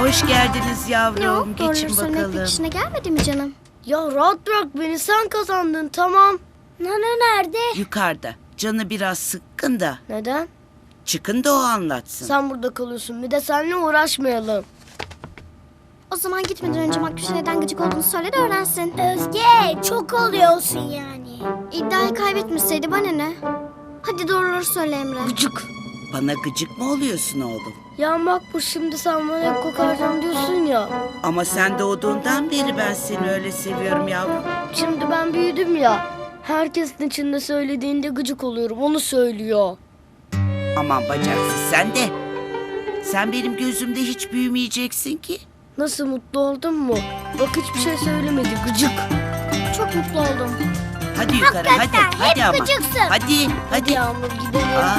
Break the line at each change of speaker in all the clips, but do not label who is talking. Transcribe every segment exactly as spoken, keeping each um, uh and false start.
Hoş geldiniz yavrum.
Ne o?
Geçin
Doğruları söylemek
bakalım.
pek işine gelmedi mi canım?
Ya rahat bırak beni, sen kazandın, tamam.
Nana nerede?
Yukarıda. Canı biraz sıkkın da.
Neden?
Çıkın da o anlatsın.
Sen burada kalıyorsun, bir de seninle uğraşmayalım.
O zaman gitmeden önce Makbuş'a neden gıcık olduğunu söyle de öğrensin.
Özge çok oluyorsun yani.
İddiayı kaybetmeseydi bana ne? Hadi doğruları söyle Emre.
Gıcık.
Bana gıcık mı oluyorsun oğlum?
Ya Makbuş, şimdi sen bana hep kokarcan diyorsun ya.
Ama sen doğduğundan beri ben seni öyle seviyorum yavrum.
Şimdi ben büyüdüm ya. Herkesin içinde söylediğinde gıcık oluyorum, onu söylüyor.
Aman bacaksız sen de. Sen benim gözümde hiç büyümeyeceksin ki.
Nasıl, mutlu oldun mu? Bak hiçbir şey söylemedi, gıcık.
Çok mutlu oldum.
Hadi yukarı hadi. Hadi ama.
gıcıksın.
Hadi
Hadi
hadi.
Yağmur, gidelim.
Aa,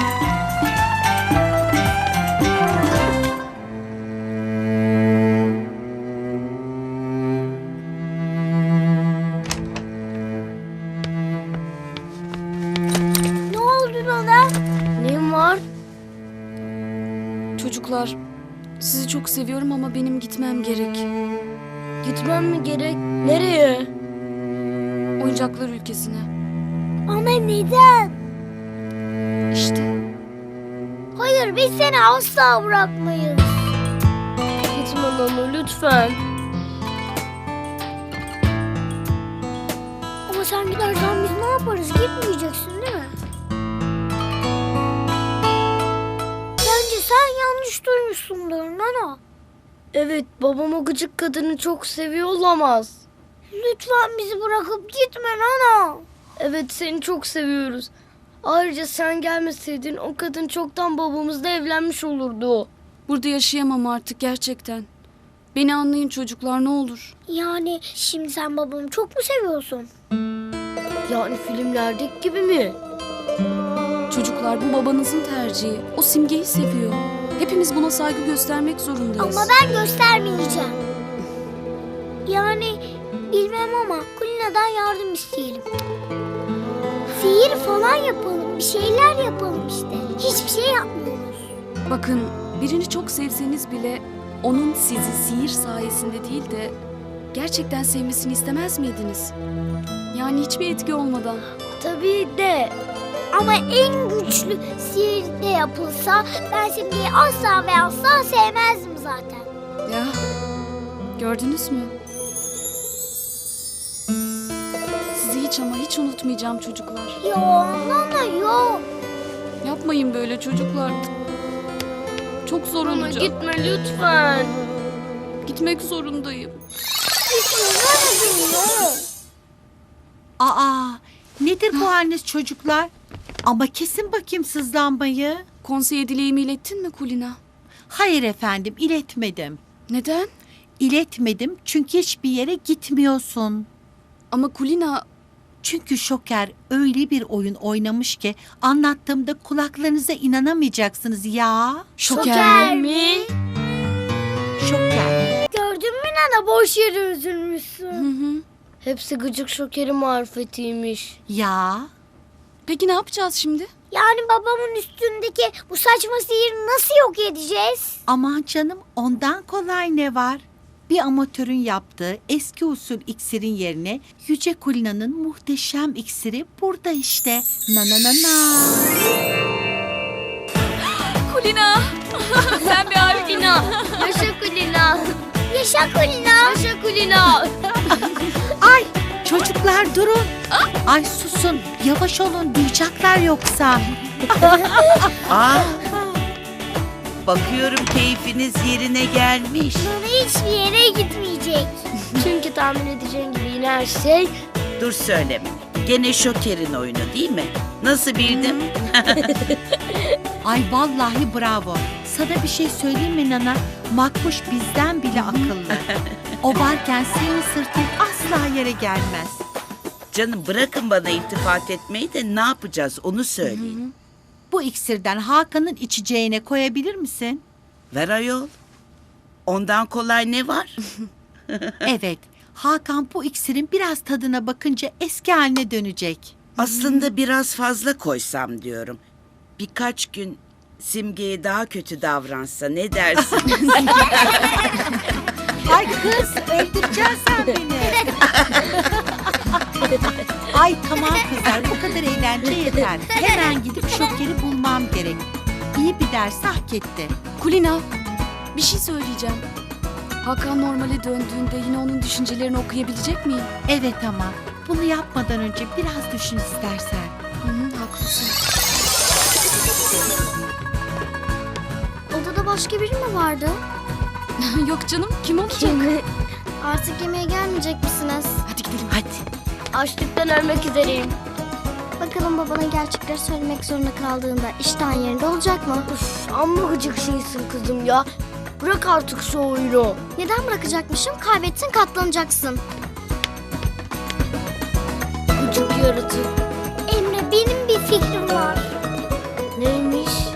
Ne oldu Nana?
Neyim var?
Çocuklar, sizi çok seviyorum ama benim gitmem gerek.
Gitmem mi gerek? Nereye?
Oyuncaklar ülkesine.
Ama neden?
İşte.
Hayır, biz seni asla bırakmayız.
Gitme Nana, lütfen.
Ama sen gidersen biz ne yaparız? Gitmeyeceksin değil mi? Bence sen yanlış duymuşsundur Nana.
Evet, babam o gıcık kadını çok seviyor olamaz.
Lütfen bizi bırakıp gitme Nana.
Evet, seni çok seviyoruz. Ayrıca sen gelmeseydin o kadın çoktan babamızla evlenmiş olurdu.
Burada yaşayamam artık gerçekten. Beni anlayın çocuklar, ne olur.
Yani şimdi sen babamı çok mu seviyorsun?
Yani filmlerdeki gibi mi?
Çocuklar, bu babanızın tercihi. O Simge'yi seviyor. Hepimiz buna saygı göstermek zorundayız.
Ama ben göstermeyeceğim. Yani bilmem ama Kulina'dan yardım isteyelim. Sihir falan yapalım, bir şeyler yapalım işte. Hiçbir şey yapmıyoruz.
Bakın, birini çok sevseniz bile onun sizi sihir sayesinde değil de gerçekten sevmesini istemez miydiniz? Yani hiçbir etki olmadan.
Tabii de.
Ama en güçlü sihir de yapılsa ben Simge'yi asla ve asla sevmezdim zaten.
Ya, gördünüz mü? Sizi hiç ama hiç unutmayacağım çocuklar.
Yo Nana yo.
Yapmayın böyle çocuklar. Çok zor
Nana
olacak.
gitme lütfen.
Gitmek zorundayım.
Gitme Nana'cığım yo.
Aa, nedir bu haliniz çocuklar? Ama kesin bakayım sızlanmayı.
Konseye dileğimi ilettin mi Kulina?
Hayır efendim, iletmedim.
Neden?
İletmedim çünkü hiçbir yere gitmiyorsun.
Ama Kulina,
Çünkü Şoker öyle bir oyun oynamış ki anlattığımda kulaklarınıza inanamayacaksınız ya.
Şoker,
mi?
Şoker.
Gördün mü Nana, boş yere
Hı
üzülmüşsün.
hı.
Hepsi gıcık Şoker'in marifetiymiş.
Ya.
Peki ne yapacağız şimdi?
Yani babamın üstündeki bu saçma sihiri nasıl yok edeceğiz?
Aman canım, ondan kolay ne var? Bir amatörün yaptığı eski usul iksirin yerine Yüce Kulina'nın muhteşem iksiri burada işte. Na na na na.
Kulina! Sen bir harika.
Kulina. Yaşa Kulina.
Yaşa Kulina.
Yaşa Kulina.
Ay çocuklar durun. Ay susun, yavaş olun, duyacaklar yoksa.
aa. Bakıyorum keyfiniz yerine gelmiş.
Nana hiçbir yere gitmeyecek.
Çünkü tahmin edeceğin gibi yine her şey.
Dur söyleme. Gene Şoker'in oyunu değil mi? Nasıl bildim?
Ay vallahi bravo. Sana bir şey söyleyeyim mi Nana? Makbuş bizden bile akıllı. O varken senin sırtın asla yere gelmez.
Canım bırakın bana iltifat etmeyi de ne yapacağız onu söyleyin.
Bu iksirden Hakan'ın içeceğine koyabilir misin?
Ver ayol. Ondan kolay ne var?
Evet. Hakan bu iksirin biraz tadına bakınca eski haline dönecek.
Aslında biraz fazla koysam diyorum. Birkaç gün Simge'ye daha kötü davransa ne dersin?
Ay kız öldüreceksin sen beni. Ay tamam kızlar bu kadar eğlence yeter. Hemen gidip Şoker'i bulmam gerek. İyi bir ders hak etti.
Kulina, bir şey söyleyeceğim. Hakan normale döndüğünde yine onun düşüncelerini okuyabilecek miyim?
Evet ama bunu yapmadan önce biraz düşün istersen.
Hı hı, haklısın.
Odada başka biri mi vardı?
Yok canım, kim olacak?
Artık yemeğe gelmeyecek misiniz?
Hadi gidelim.
Hadi.
Açlıktan ölmek üzereyim.
Bakalım babana gerçekleri söylemek zorunda kaldığında iştahın yerinde olacak mı?
Uf, amma gıcık şeysin kızım ya. Bırak artık şu oyunu.
Neden bırakacakmışım? Kaybettin katlanacaksın.
Gıcık yaratık.
Emre benim bir fikrim var.
Neymiş?